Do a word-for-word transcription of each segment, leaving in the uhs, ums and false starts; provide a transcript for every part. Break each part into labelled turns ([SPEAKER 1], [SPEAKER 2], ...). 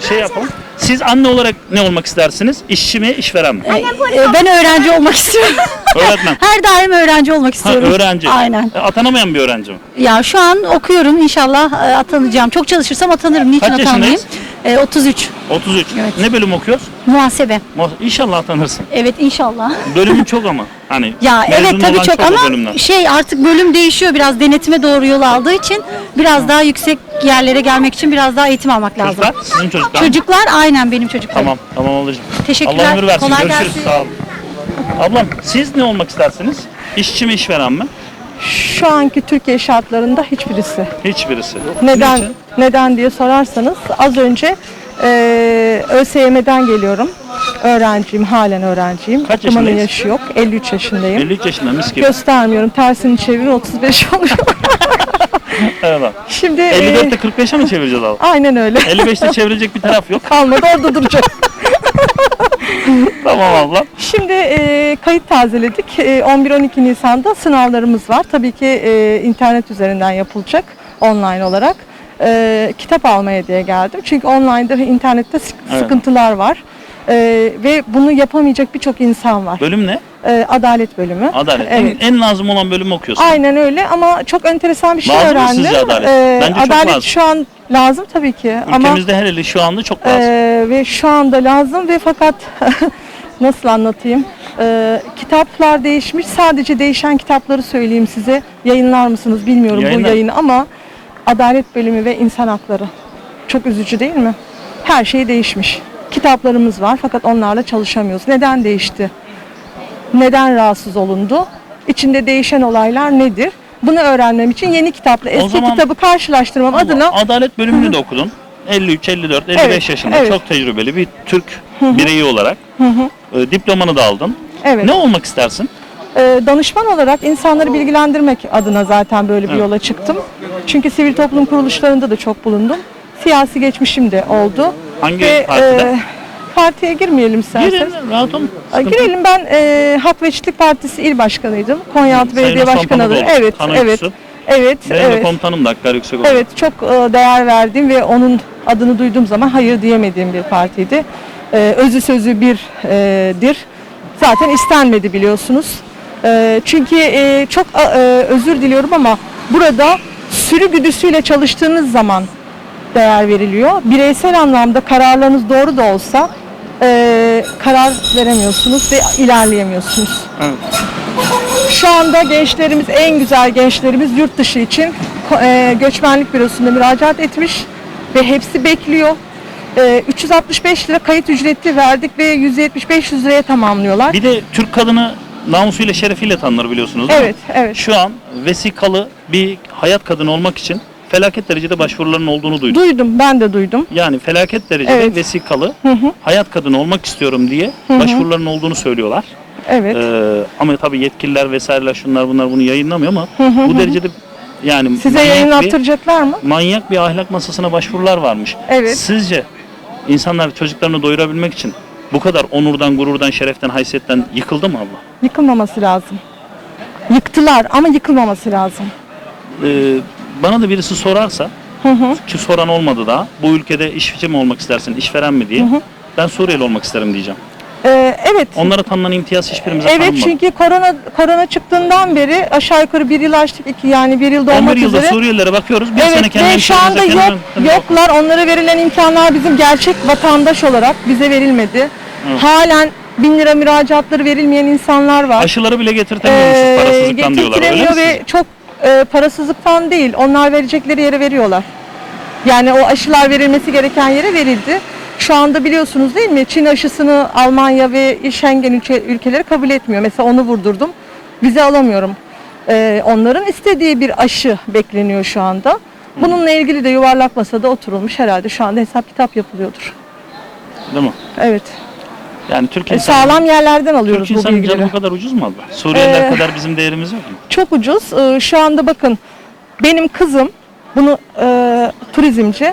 [SPEAKER 1] şey yapalım. Siz anne olarak ne olmak istersiniz? İşçi mi, işveren mi?
[SPEAKER 2] Ee, ben öğrenci olmak istiyorum.
[SPEAKER 1] Öğretmen.
[SPEAKER 2] Her daim öğrenci olmak
[SPEAKER 1] Ha,
[SPEAKER 2] istiyorum.
[SPEAKER 1] öğrenci.
[SPEAKER 2] Aynen.
[SPEAKER 1] E, Atanamayan bir öğrenci mi?
[SPEAKER 2] Ya şu an okuyorum, inşallah e, atanacağım. Çok çalışırsam atanırım. Niçin
[SPEAKER 1] Kaç
[SPEAKER 2] atanmayayım?
[SPEAKER 1] yaşındayız?
[SPEAKER 2] E, otuz üç.
[SPEAKER 1] otuz üç.
[SPEAKER 2] Evet.
[SPEAKER 1] Ne bölüm okuyoruz?
[SPEAKER 2] Muhasebe.
[SPEAKER 1] Mo- İnşallah atanırsın.
[SPEAKER 2] Evet, inşallah.
[SPEAKER 1] Bölümün çok ama. Hani
[SPEAKER 2] Ya
[SPEAKER 1] mezun
[SPEAKER 2] evet tabii
[SPEAKER 1] olan
[SPEAKER 2] çok
[SPEAKER 1] o
[SPEAKER 2] ama
[SPEAKER 1] bölümden.
[SPEAKER 2] şey artık bölüm değişiyor, biraz denetime doğru yol aldığı için biraz daha yüksek yerlere gelmek için biraz daha eğitim almak lazım.
[SPEAKER 1] Çocuklar, sizin çocuklar mı?
[SPEAKER 2] Çocuklar aynen benim çocuklarım.
[SPEAKER 1] Tamam, tamam ablacığım.
[SPEAKER 2] Teşekkürler,
[SPEAKER 1] Allah ömür versin.
[SPEAKER 2] kolay
[SPEAKER 1] Görüşürüz.
[SPEAKER 2] gelsin.
[SPEAKER 1] Sağ olun. Ablam, siz ne olmak istersiniz? İşçi mi, işveren mi?
[SPEAKER 3] Şu anki Türkiye şartlarında hiçbirisi.
[SPEAKER 1] Hiçbirisi.
[SPEAKER 3] Neden
[SPEAKER 1] Niçin?
[SPEAKER 3] neden diye sorarsanız az önce e, ÖSYM'den geliyorum. Öğrenciyim, halen öğrenciyim.
[SPEAKER 1] Kaç
[SPEAKER 3] Okumanın
[SPEAKER 1] yaşındayız?
[SPEAKER 3] yaşı yok. elli üç yaşındayım.
[SPEAKER 1] elli üç yaşında mis gibi.
[SPEAKER 3] Göstermiyorum. Tersini çevirin otuz beş oluyor.
[SPEAKER 1] Evet.
[SPEAKER 3] Şimdi
[SPEAKER 1] elli dörtte
[SPEAKER 3] e,
[SPEAKER 1] kırk beşe mi çevireceğiz abi?
[SPEAKER 3] aynen öyle.
[SPEAKER 1] elli beşte çevirecek bir taraf yok.
[SPEAKER 3] Kalmadı orada duracak.
[SPEAKER 1] Tamam abla.
[SPEAKER 3] Şimdi e, kayıt tazeledik. E, on bir on iki Nisan'da sınavlarımız var. Tabii ki e, internet üzerinden yapılacak online olarak. E, kitap almaya diye geldim. Çünkü online'da ve internette sık-
[SPEAKER 1] Evet.
[SPEAKER 3] sıkıntılar var. E, ve bunu yapamayacak birçok insan var.
[SPEAKER 1] Bölüm ne?
[SPEAKER 3] E, adalet bölümü.
[SPEAKER 1] Adalet.
[SPEAKER 3] Evet.
[SPEAKER 1] En, en lazım olan bölümü okuyorsun.
[SPEAKER 3] Aynen öyle ama çok enteresan bir şey
[SPEAKER 1] Lazım mı
[SPEAKER 3] öğrendim.
[SPEAKER 1] sizce adalet?
[SPEAKER 3] E,
[SPEAKER 1] Bence çok
[SPEAKER 3] adalet
[SPEAKER 1] lazım.
[SPEAKER 3] şu an lazım tabii ki. Ama
[SPEAKER 1] Ülkemizde her eli şu anda çok lazım.
[SPEAKER 3] Ee, ve şu anda lazım ve fakat nasıl anlatayım? Ee, kitaplar değişmiş. Sadece değişen kitapları söyleyeyim size. Yayınlar mısınız bilmiyorum
[SPEAKER 1] Yayınlar.
[SPEAKER 3] bu yayını ama Adalet Bölümü ve İnsan Hakları. Çok üzücü değil mi? Her şey değişmiş. Kitaplarımız var fakat onlarla çalışamıyoruz. Neden değişti? Neden rahatsız olundu? İçinde değişen olaylar nedir? Bunu öğrenmem için yeni kitapla eski
[SPEAKER 1] zaman-
[SPEAKER 3] kitabı karşılaştırmam adına
[SPEAKER 1] Adalet bölümünü de okudun. elli üç, elli dört, elli beş
[SPEAKER 3] Evet,
[SPEAKER 1] yaşında
[SPEAKER 3] evet.
[SPEAKER 1] çok tecrübeli bir Türk bireyi olarak e, diplomanı da aldın.
[SPEAKER 3] evet.
[SPEAKER 1] Ne olmak istersin?
[SPEAKER 3] Ee, danışman olarak insanları bilgilendirmek adına zaten böyle bir
[SPEAKER 1] Evet.
[SPEAKER 3] yola çıktım. Çünkü sivil toplum kuruluşlarında da çok bulundum. Siyasi geçmişim de oldu.
[SPEAKER 1] Hangi partide?
[SPEAKER 3] partiye girmeyelim isterseniz.
[SPEAKER 1] Girin, rahat olun.
[SPEAKER 3] Ee,
[SPEAKER 1] Sıkıntı yok.
[SPEAKER 3] Girelim, ben e, Hak ve Eşitlik Partisi il başkanıydım. Konyaaltı
[SPEAKER 1] Sayın
[SPEAKER 3] Belediye
[SPEAKER 1] Osman
[SPEAKER 3] Başkanı adayı.
[SPEAKER 1] Pamukoğlu,
[SPEAKER 3] Evet,
[SPEAKER 1] Kan
[SPEAKER 3] evet.
[SPEAKER 1] Uykusu.
[SPEAKER 3] Evet,
[SPEAKER 1] Benim de
[SPEAKER 3] evet.
[SPEAKER 1] komutanım da Hakkari Yüksek Okulu.
[SPEAKER 3] Evet, çok e, değer verdiğim ve onun adını duyduğum zaman hayır diyemediğim bir partiydi. E, özü sözü birdir. Zaten istenmedi biliyorsunuz. E, çünkü e, çok e, özür diliyorum ama burada sürü güdüsüyle çalıştığınız zaman değer veriliyor. Bireysel anlamda kararlarınız doğru da olsa e, karar veremiyorsunuz ve ilerleyemiyorsunuz.
[SPEAKER 1] Evet.
[SPEAKER 3] Şu anda gençlerimiz, en güzel gençlerimiz yurt dışı için e, göçmenlik bürosunda müracaat etmiş ve hepsi bekliyor. E, üç yüz altmış beş lira kayıt ücreti verdik ve yüz yetmiş beş yüz liraya tamamlıyorlar.
[SPEAKER 1] Bir de Türk kadını namusuyla şerefiyle tanınır biliyorsunuz değil mi?
[SPEAKER 3] Evet, evet.
[SPEAKER 1] Şu an vesikalı bir hayat kadını olmak için felaket derecede başvuruların olduğunu duydum.
[SPEAKER 3] Duydum, ben de duydum.
[SPEAKER 1] Yani felaket derecede
[SPEAKER 3] Evet.
[SPEAKER 1] vesikalı hayat kadını olmak istiyorum diye başvuruların olduğunu söylüyorlar.
[SPEAKER 3] Evet.
[SPEAKER 1] Ee, ama tabii yetkililer vesaireler şunlar bunlar bunu yayınlamıyor ama bu derecede yani
[SPEAKER 3] Size
[SPEAKER 1] manyak bir,
[SPEAKER 3] yayınlattıracaklar mı?
[SPEAKER 1] manyak bir ahlak masasına başvurular varmış.
[SPEAKER 3] Evet.
[SPEAKER 1] Sizce insanlar çocuklarını doyurabilmek için bu kadar onurdan, gururdan, şereften, haysiyetten yıkıldı mı abla?
[SPEAKER 3] Yıkılmaması lazım. Yıktılar ama yıkılmaması lazım.
[SPEAKER 1] Ee, bana da birisi sorarsa ki soran olmadı daha bu ülkede işçi mi olmak istersin, işveren mi diye ben Suriyeli olmak isterim diyeceğim.
[SPEAKER 3] Ee, evet.
[SPEAKER 1] Onlara tanınan imtiyaz hiçbirimize
[SPEAKER 3] Evet,
[SPEAKER 1] tanınmadı.
[SPEAKER 3] çünkü korona korona çıktığından beri aşağı yukarı bir yıl açtık, iki yani bir yılda
[SPEAKER 1] on
[SPEAKER 3] olmak
[SPEAKER 1] bir yılda
[SPEAKER 3] üzere.
[SPEAKER 1] Suriyelilere bakıyoruz. Bir sene
[SPEAKER 3] Evet
[SPEAKER 1] kendi
[SPEAKER 3] ve şu anda
[SPEAKER 1] ülkemizde,
[SPEAKER 3] yok,
[SPEAKER 1] kendi-
[SPEAKER 3] yoklar. Onlara verilen imkanlar bizim gerçek vatandaş olarak bize verilmedi.
[SPEAKER 1] Evet.
[SPEAKER 3] Halen bin lira müracaatları verilmeyen insanlar var.
[SPEAKER 1] Aşıları bile getirtemiyormuşuz
[SPEAKER 3] Ee,
[SPEAKER 1] parasızlıktan diyorlar. Öyle mi
[SPEAKER 3] getirtilemiyor ve
[SPEAKER 1] sizce?
[SPEAKER 3] çok e, parasızlıktan değil. Onlar verecekleri yere veriyorlar. Yani o aşılar verilmesi gereken yere verildi. Şu anda biliyorsunuz değil mi? Çin aşısını Almanya ve Schengen ülke, ülkeleri kabul etmiyor. Mesela onu vurdurdum. Vize alamıyorum. Ee, onların istediği bir aşı bekleniyor şu anda. Bununla ilgili de yuvarlak masada oturulmuş, herhalde şu anda hesap kitap yapılıyordur.
[SPEAKER 1] Değil mi?
[SPEAKER 3] Evet.
[SPEAKER 1] Yani Türk
[SPEAKER 3] E,
[SPEAKER 1] insanı,
[SPEAKER 3] sağlam yerlerden alıyoruz
[SPEAKER 1] Türk
[SPEAKER 3] bu
[SPEAKER 1] insanı
[SPEAKER 3] bilgileri.
[SPEAKER 1] canı bu kadar ucuz mu abla? Suriyeliler
[SPEAKER 3] Ee,
[SPEAKER 1] kadar bizim değerimiz yok mu?
[SPEAKER 3] Çok ucuz. Ee, şu anda bakın, benim kızım bunu e, turizmci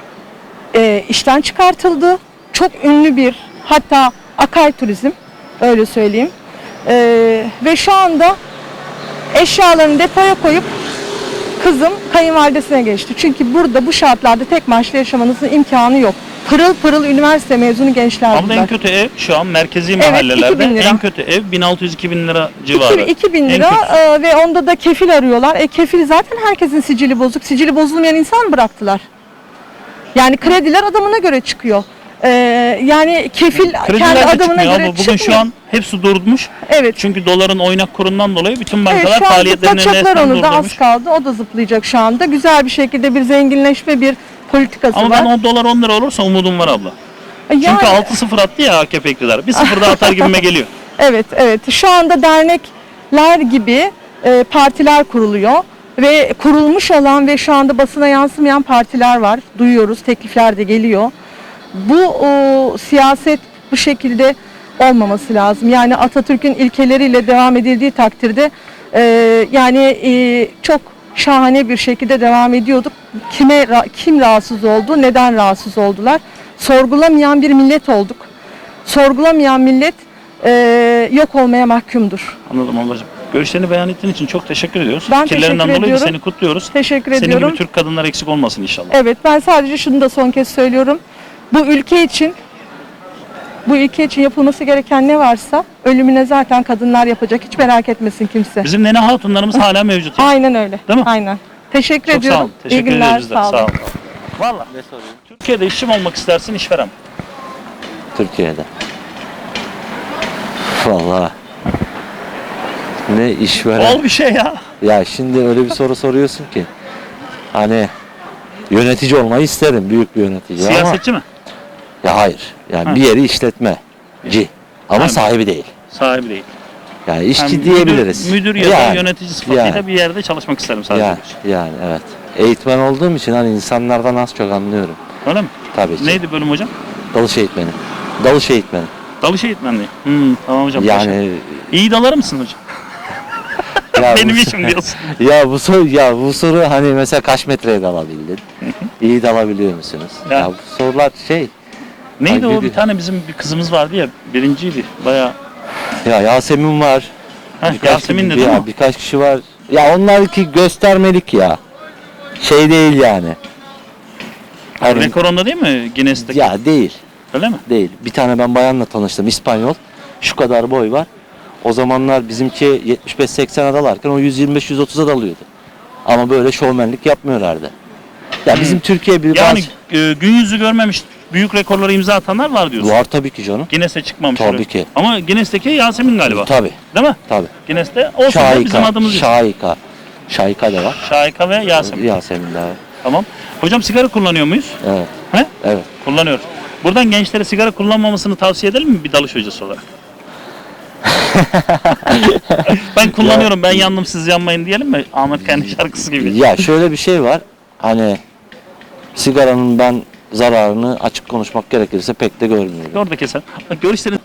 [SPEAKER 3] e, işten çıkartıldı. Çok ünlü bir, hatta Akay Turizm, öyle söyleyeyim. E, ve şu anda eşyalarını depoya koyup kızım kayınvalidesine geçti. Çünkü burada bu şartlarda tek maaşla yaşamanızın imkanı yok. pırıl pırıl üniversite mezunu gençler
[SPEAKER 1] Ama
[SPEAKER 3] bunlar.
[SPEAKER 1] en kötü ev şu an merkezi
[SPEAKER 3] Evet,
[SPEAKER 1] mahallelerde
[SPEAKER 3] iki bin lira.
[SPEAKER 1] en kötü ev bin altı yüz iki bin lira civarı.
[SPEAKER 3] iki bin
[SPEAKER 1] En
[SPEAKER 3] lira
[SPEAKER 1] kötüsü.
[SPEAKER 3] e, ve onda da kefil arıyorlar. E kefil zaten herkesin sicili bozuk. Sicili bozulmayan insan mı bıraktılar? Yani krediler adamına göre çıkıyor. E, yani kefil
[SPEAKER 1] Krediler
[SPEAKER 3] kendi
[SPEAKER 1] de
[SPEAKER 3] adamına
[SPEAKER 1] çıkmıyor
[SPEAKER 3] göre
[SPEAKER 1] ama bugün
[SPEAKER 3] çıkmıyor.
[SPEAKER 1] şu an hepsi durmuş.
[SPEAKER 3] Evet.
[SPEAKER 1] Çünkü doların oynak kurundan dolayı bütün
[SPEAKER 3] Evet,
[SPEAKER 1] bankalar
[SPEAKER 3] şu an
[SPEAKER 1] faaliyetlerini
[SPEAKER 3] zıplatacaklar
[SPEAKER 1] resmen
[SPEAKER 3] onu da az
[SPEAKER 1] durdurmuş.
[SPEAKER 3] kaldı. O da zıplayacak şu anda. Güzel bir şekilde bir zenginleşme bir politikası
[SPEAKER 1] Ama
[SPEAKER 3] var.
[SPEAKER 1] ben o dolar on lira olursa umudum var abla.
[SPEAKER 3] Yani-
[SPEAKER 1] Çünkü altı sıfır attı ya A K P iktidarı. Bir sıfır daha atar gibime geliyor.
[SPEAKER 3] Evet, evet. Şu anda dernekler gibi e, partiler kuruluyor ve kurulmuş olan ve şu anda basına yansımayan partiler var. Duyuyoruz, teklifler de geliyor. Bu o, siyaset bu şekilde olmaması lazım. Yani Atatürk'ün ilkeleriyle devam edildiği takdirde e, yani e, çok şahane bir şekilde devam ediyorduk. Kime ra- kim rahatsız oldu, neden rahatsız oldular? Sorgulamayan bir millet olduk. Sorgulamayan millet e, yok olmaya mahkumdur.
[SPEAKER 1] Anladım ablacığım. Görüşlerini beyan ettiğin için çok teşekkür ediyoruz.
[SPEAKER 3] Ben
[SPEAKER 1] Fikirlerinden
[SPEAKER 3] teşekkür
[SPEAKER 1] dolayı da
[SPEAKER 3] ediyorum.
[SPEAKER 1] seni kutluyoruz.
[SPEAKER 3] Teşekkür
[SPEAKER 1] Senin
[SPEAKER 3] ediyorum.
[SPEAKER 1] gibi Türk kadınlar eksik olmasın inşallah.
[SPEAKER 3] Evet, ben sadece şunu da son kez söylüyorum. Bu ülke için bu ülke için yapılması gereken ne varsa ölümüne zaten kadınlar yapacak. Hiç merak etmesin kimse.
[SPEAKER 1] Bizim nene hatunlarımız hala mevcut. yani.
[SPEAKER 3] Aynen öyle.
[SPEAKER 1] Değil mi?
[SPEAKER 3] Aynen. Teşekkür
[SPEAKER 1] Çok sağ
[SPEAKER 3] ediyorum.
[SPEAKER 1] ol. Teşekkür
[SPEAKER 3] İyi günler.
[SPEAKER 1] ederiz biz de.
[SPEAKER 3] Sağ olun.
[SPEAKER 1] Sağ ol. Valla. Türkiye'de işçi mi olmak istersin, işveren mi?
[SPEAKER 4] Türkiye'de. Vallahi ne işveren.
[SPEAKER 1] Ol bir şey ya.
[SPEAKER 4] Ya şimdi öyle bir soru soruyorsun ki. Hani yönetici olmayı isterim, büyük bir yönetici
[SPEAKER 1] Siyasetçi mi?
[SPEAKER 4] ama ya hayır. Yani
[SPEAKER 1] Ha.
[SPEAKER 4] bir yeri işletmeci ama
[SPEAKER 1] Ha.
[SPEAKER 4] sahibi değil.
[SPEAKER 1] Sahibi değil.
[SPEAKER 4] Yani işçi
[SPEAKER 1] Yani
[SPEAKER 4] diyebiliriz.
[SPEAKER 1] Müdür, müdür ya da
[SPEAKER 4] Yani,
[SPEAKER 1] yönetici sıfatıyla
[SPEAKER 4] yani.
[SPEAKER 1] bir yerde çalışmak isterim sadece.
[SPEAKER 4] Yani, yani evet. Eğitmen olduğum için hani insanlardan az çok anlıyorum.
[SPEAKER 1] Öyle mi?
[SPEAKER 4] Tabii ki.
[SPEAKER 1] Neydi bölüm hocam?
[SPEAKER 4] Dalış eğitmeni. Dalış eğitmeni.
[SPEAKER 1] Dalış eğitmenliği. Hmm, tamam hocam. teşekkür-
[SPEAKER 4] Yani
[SPEAKER 1] İyi dalar mısın hocam?
[SPEAKER 4] ya
[SPEAKER 1] Benim
[SPEAKER 4] bu-
[SPEAKER 1] işim diyorsun.
[SPEAKER 4] Ya bu soru ya bu soru hani mesela kaç metreye dalabildin? İyi dalabiliyor musunuz?
[SPEAKER 1] Ya.
[SPEAKER 4] Ya, bu sorular şey
[SPEAKER 1] Neydi
[SPEAKER 4] Ay,
[SPEAKER 1] o?
[SPEAKER 4] bir-
[SPEAKER 1] Bir tane bizim bir kızımız vardı ya. Birinciydi. Bayağı.
[SPEAKER 4] ya Yasemin var.
[SPEAKER 1] Heh,
[SPEAKER 4] birkaç
[SPEAKER 1] Yasemin de
[SPEAKER 4] kişi-
[SPEAKER 1] değil
[SPEAKER 4] ya,
[SPEAKER 1] mi?
[SPEAKER 4] birkaç kişi var. Ya onlar ki göstermelik ya. Şey değil yani. Hani,
[SPEAKER 1] Rekor onda değil mi Guinness'teki?
[SPEAKER 4] ya değil.
[SPEAKER 1] Öyle mi?
[SPEAKER 4] Değil. Bir tane ben bayanla tanıştım. İspanyol. Şu kadar boy var. O zamanlar bizimki yetmiş beş seksene dalarken o yüz yirmi beş yüz otuza dalıyordu. Ama böyle şovmenlik yapmıyorlardı. Ya bizim Türkiye bir
[SPEAKER 1] Hmm. Yani
[SPEAKER 4] bazı...
[SPEAKER 1] e, gün yüzü görmemiş büyük rekorlara imza atanlar var diyorsun.
[SPEAKER 4] Var tabii ki canım.
[SPEAKER 1] Guinness'e çıkmamış.
[SPEAKER 4] Tabii
[SPEAKER 1] öyle.
[SPEAKER 4] ki.
[SPEAKER 1] Ama Guinness'teki Yasemin galiba.
[SPEAKER 4] Tabii.
[SPEAKER 1] Değil mi?
[SPEAKER 4] Tabii.
[SPEAKER 1] Guinness'te olsun da bizim
[SPEAKER 4] Şahika.
[SPEAKER 1] adımız yok.
[SPEAKER 4] Şahika. Şahika da var.
[SPEAKER 1] Şahika ve Yasemin.
[SPEAKER 4] Yasemin de var.
[SPEAKER 1] Tamam. Hocam sigara kullanıyor muyuz?
[SPEAKER 4] Evet.
[SPEAKER 1] He?
[SPEAKER 4] Evet.
[SPEAKER 1] Kullanıyoruz. Buradan gençlere sigara kullanmamasını tavsiye edelim mi bir dalış hocası olarak? Ben kullanıyorum, ben yandım siz yanmayın diyelim mi? Ahmet Kaynak şarkısı gibi.
[SPEAKER 4] Ya şöyle bir şey var. Hani sigaranın ben zararını açık konuşmak gerekirse pek de görmüyorum.
[SPEAKER 1] Orada keser. Bak görüşlerin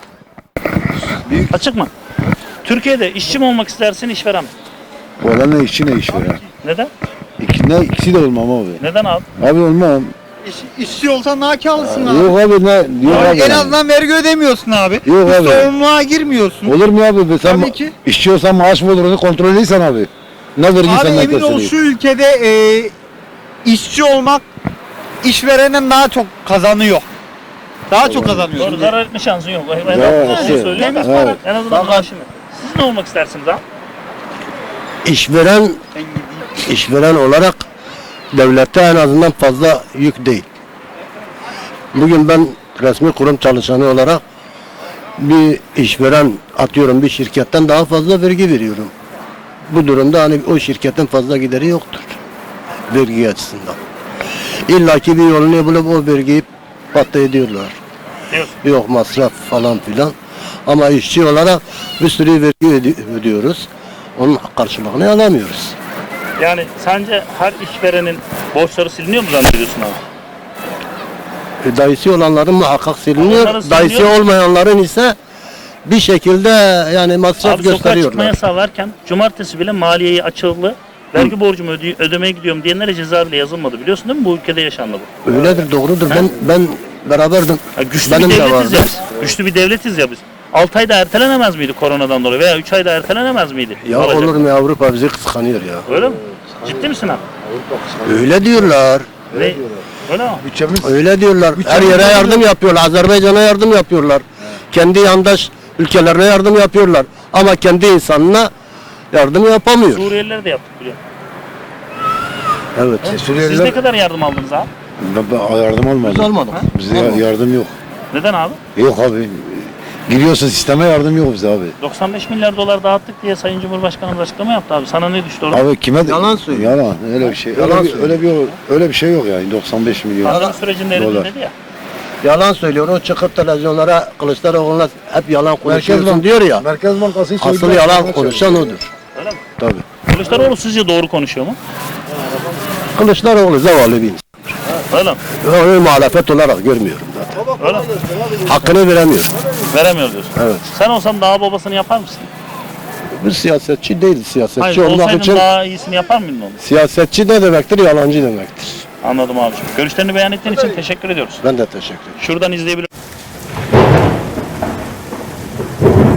[SPEAKER 1] açık mı? Türkiye'de işçi mi olmak istersin, işveren mi?
[SPEAKER 5] Valla ne işçi ne işveren.
[SPEAKER 1] Neden?
[SPEAKER 5] İki, ne, ikisi de olmam abi.
[SPEAKER 1] Neden abi?
[SPEAKER 5] Abi olmam.
[SPEAKER 6] İş, işçi olsan daha kârlısın abi.
[SPEAKER 5] Yok abi ne? Yok
[SPEAKER 6] Abi
[SPEAKER 5] abi.
[SPEAKER 6] en azından vergi ödemiyorsun abi.
[SPEAKER 5] Yok
[SPEAKER 6] Bir
[SPEAKER 5] abi.
[SPEAKER 6] sorumluluğa girmiyorsun.
[SPEAKER 5] Olur mu abi? Be? Sen
[SPEAKER 6] Tabii ki.
[SPEAKER 5] işçi olsan maaş mı olur onu kontrol ediysen abi. Ne vergi
[SPEAKER 6] Abi
[SPEAKER 5] senden
[SPEAKER 6] emin ol
[SPEAKER 5] kesiliyor.
[SPEAKER 6] şu ülkede e, işçi olmak işverenden daha çok kazanıyor. Daha çok kazanıyor.
[SPEAKER 1] Doğru, zarar etme şansın yok. Ben
[SPEAKER 5] Ya,
[SPEAKER 1] ben
[SPEAKER 5] işte,
[SPEAKER 1] şey söylüyorum da.
[SPEAKER 5] evet.
[SPEAKER 1] En azından maaşını. Siz ne olmak istersiniz abi?
[SPEAKER 7] İşveren işveren olarak devlette en azından fazla yük değil. Bugün ben resmi kurum çalışanı olarak bir işveren atıyorum bir şirketten daha fazla vergi veriyorum. Bu durumda hani o şirketin fazla gideri yoktur. Vergi açısından. İlla ki bir yolunu bulup o vergiyi patla ediyorlar.
[SPEAKER 1] Diyorsun.
[SPEAKER 7] Yok masraf falan filan. Ama işçi olarak bir sürü vergi öde- ödüyoruz. Onun karşılığını alamıyoruz.
[SPEAKER 1] Yani sence her işverenin borçları siliniyor mu zannediyorsun abi?
[SPEAKER 7] E, Dayısı olanların muhakkak siliniyor.
[SPEAKER 1] Onların
[SPEAKER 7] Dayısı
[SPEAKER 1] siliniyor.
[SPEAKER 7] olmayanların ise bir şekilde yani masraf
[SPEAKER 1] Abi sokağa çıkma
[SPEAKER 7] gösteriyorlar.
[SPEAKER 1] yasağı varken cumartesi bile maliyeyi açıldı. Vergi borcumu öde- ödemeye gidiyorum diyenlere ceza bile yazılmadı. Biliyorsun değil mi? Bu ülkede yaşandı bu.
[SPEAKER 7] Öyledir, doğrudur. Ben ben beraberdim.
[SPEAKER 1] Ya güçlü
[SPEAKER 7] Benim
[SPEAKER 1] bir
[SPEAKER 7] de
[SPEAKER 1] devletiz
[SPEAKER 7] vardı.
[SPEAKER 1] ya biz. Güçlü bir devletiz ya biz. altı ayda ertelenemez miydi koronadan dolayı veya üç ayda ertelenemez miydi?
[SPEAKER 7] Ya
[SPEAKER 1] Olacak.
[SPEAKER 7] olur mu, Avrupa bizi kıskanıyor ya.
[SPEAKER 1] Öyle mi? Ciddi misin abi?
[SPEAKER 7] Öyle diyorlar.
[SPEAKER 1] Ne? Öyle mi?
[SPEAKER 5] Bütçemiz
[SPEAKER 7] Öyle diyorlar. Her yere yardım yapıyorlar. Azerbaycan'a yardım yapıyorlar. Kendi yandaş ülkelerine yardım yapıyorlar. Ama kendi insanına yardım yapamıyor.
[SPEAKER 1] Suriyeliler de yaptık biliyor.
[SPEAKER 7] Evet.
[SPEAKER 1] Siz
[SPEAKER 5] Suriyeliler
[SPEAKER 1] ne kadar yardım aldınız abi?
[SPEAKER 5] ben, ben yardım almadım.
[SPEAKER 7] Biz almadık.
[SPEAKER 5] Bize ya- yardım yok.
[SPEAKER 1] Neden abi?
[SPEAKER 5] Yok abi. Giriyorsa sisteme yardım yok bize abi.
[SPEAKER 1] doksan beş milyar dolar dağıttık diye Sayın Cumhurbaşkanımız açıklama yaptı abi. Sana ne düştü orada?
[SPEAKER 5] Abi kime
[SPEAKER 7] Yalan söylüyor.
[SPEAKER 5] Yalan öyle bir şey.
[SPEAKER 7] Yalan
[SPEAKER 5] öyle, bir,
[SPEAKER 7] söylüyor.
[SPEAKER 5] öyle bir öyle bir şey yok yani doksan beş milyon.
[SPEAKER 1] Pandemi sürecinde
[SPEAKER 5] dolar.
[SPEAKER 1] eridin dedi ya.
[SPEAKER 7] Yalan söylüyor. O çıkıp televizyonlara Kılıçdaroğlu'na hep yalan
[SPEAKER 5] Merkez
[SPEAKER 7] konuşuyorsun
[SPEAKER 5] Bank
[SPEAKER 7] diyor ya.
[SPEAKER 5] Merkez Bankası hiç
[SPEAKER 7] Asıl
[SPEAKER 5] öyle-
[SPEAKER 7] yalan konuşan odur.
[SPEAKER 1] Öyle mi?
[SPEAKER 5] Tabii.
[SPEAKER 1] Kılıçdaroğlu sizce doğru konuşuyor mu?
[SPEAKER 7] Kılıçdaroğlu zavallı bir insan.
[SPEAKER 1] Öyle mi?
[SPEAKER 7] Ben onu muhalefet olarak görmüyorum zaten.
[SPEAKER 1] Öyle mi?
[SPEAKER 7] Hakkını veremiyor.
[SPEAKER 1] Veremiyor diyorsun.
[SPEAKER 7] Evet.
[SPEAKER 1] Sen olsan daha babasını yapar mısın?
[SPEAKER 7] Biz siyasetçi değiliz. Siyasetçi
[SPEAKER 1] Hayır,
[SPEAKER 7] olmak
[SPEAKER 1] olsaydın
[SPEAKER 7] için
[SPEAKER 1] daha iyisini yapar mıydın onu?
[SPEAKER 7] siyasetçi ne demektir? Yalancı demektir.
[SPEAKER 1] Anladım abi. Görüşlerini beyan ettiğin için teşekkür ediyoruz.
[SPEAKER 7] Ben de teşekkür ederim.
[SPEAKER 1] Şuradan izleyebilir